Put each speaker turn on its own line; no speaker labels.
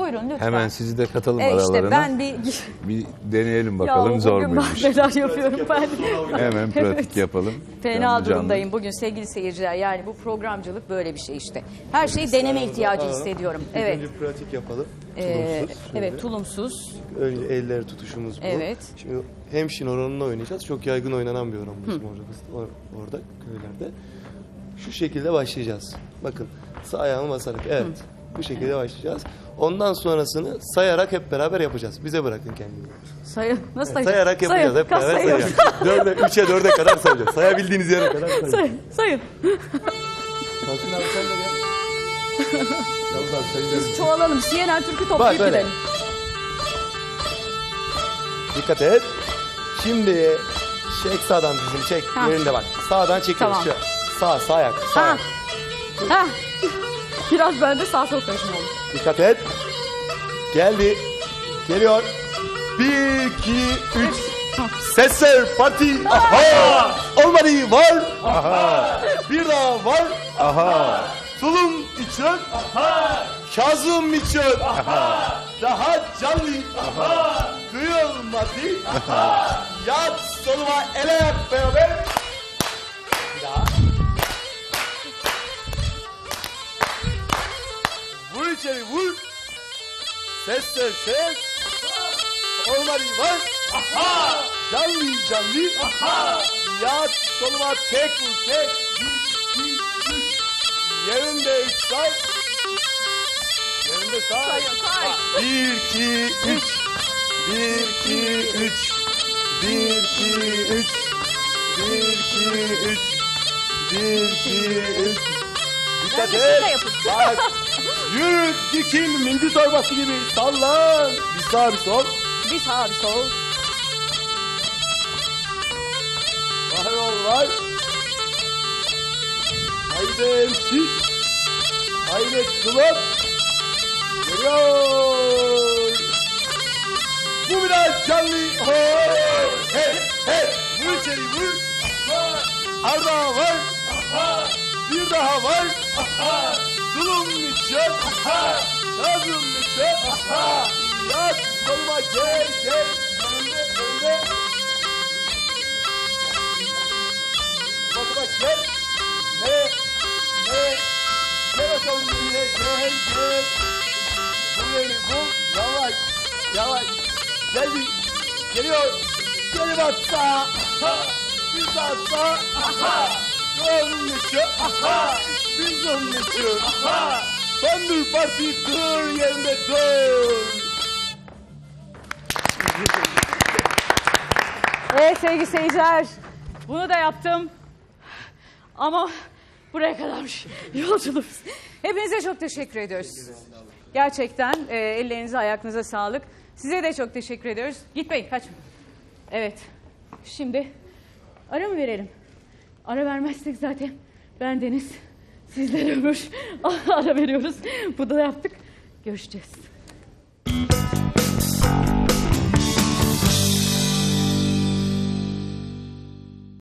Buyurun lütfen.
Hemen sizi de katalım aralarına.
İşte ben
bir deneyelim bakalım zor muymuş.
Ben neler yapıyorum ben.
Hemen pratik yapalım.
Fena
Canlı
durumdayım bugün sevgili seyirciler. Yani bu programcılık böyle bir şey işte. Her şeyi deneme ihtiyacı hissediyorum. Evet.
Önce pratik yapalım. Tulumsuz.
Evet, tulumsuz.
Önce elleri tutuşumuz bu.
Evet.
Şimdi hemşin oranını oynayacağız. Çok yaygın oynanan bir oran bizim orada köylerde. Şu şekilde başlayacağız. Bakın sağ ayağımı basarak. Evet. Bu şekilde başlayacağız. Ondan sonrasını sayarak hep beraber yapacağız. Bize bırakın kendinizi.
Nasıl sayacağız?
Sayarak yapacağız. Hep beraber sayacağız. 3'e 4'e kadar sayacağız. Sayabildiğiniz yere kadar sayacağız.
Sayın.
Kalkın abi sen de gel. Yalnız abi sen gel.
Çoğalalım. CNN Türk'ü toplayıp gidelim.
Dikkat et. Şimdi çek sağdan dizini çek. Yerinde bak. Sağdan çekiyoruz.
Tamam.
Sağ ayak. Sağ ayak.
Ha. Biraz bende sağ sol karışım oldu.
Dikkat et. Geldi. Geliyor. 1, 2, 3. Sesler parti. Aha. Olmadı var. Aha. Bir daha var. Aha. Tulum için. Aha. Kazım için. Aha. Daha canlı. Aha. Duyulmadı. Aha. Yat soluma ele yap beraber. Bir daha. Vur içeri vur. Sesler ses. Olmadı var. Aha. Canlı. Aha. Yat soluma tek vur tek. 1, 2, 3. Yerinde 3 say. Yerinde say. 1, 2, 3. 1, 2, 3. 1, 2, 3. 1, 2, 3. 1, 2, 3. Dikkat et. Bak. Yürü dikil mindi torbası gibi sallan. Bir sağ bir sol.
Bir sağ bir sol.
Var ol var. Haydi emsik. Haydi kulak. Geliyor. Bu biraz canlı. Hey hey. Vur içeri vur. Arda var. Bir daha var. Tulum için. Kazım için. Yat soluma gel. Önde. Bak gel. Ne? Gel bakalım yine gel. Burayı bul. Yavaş. Geldi. Geliyor. Geri bak sağa. Bir daha sağa. Onun için. Biz onun için. Son dur parti dur yerinde dur.
Evet sevgili seyirciler. Bunu da yaptım. Ama buraya kadarmış yolculuğumuz. Hepinize çok teşekkür ediyoruz. Gerçekten ellerinize ayaklarınıza sağlık. Size de çok teşekkür ediyoruz. Gitmeyin kaçmayın. Evet. Şimdi ara mı verelim? Ara vermezsek zaten bendeniz. Sizler ömür. Ara veriyoruz. Bunu da yaptık. Görüşeceğiz.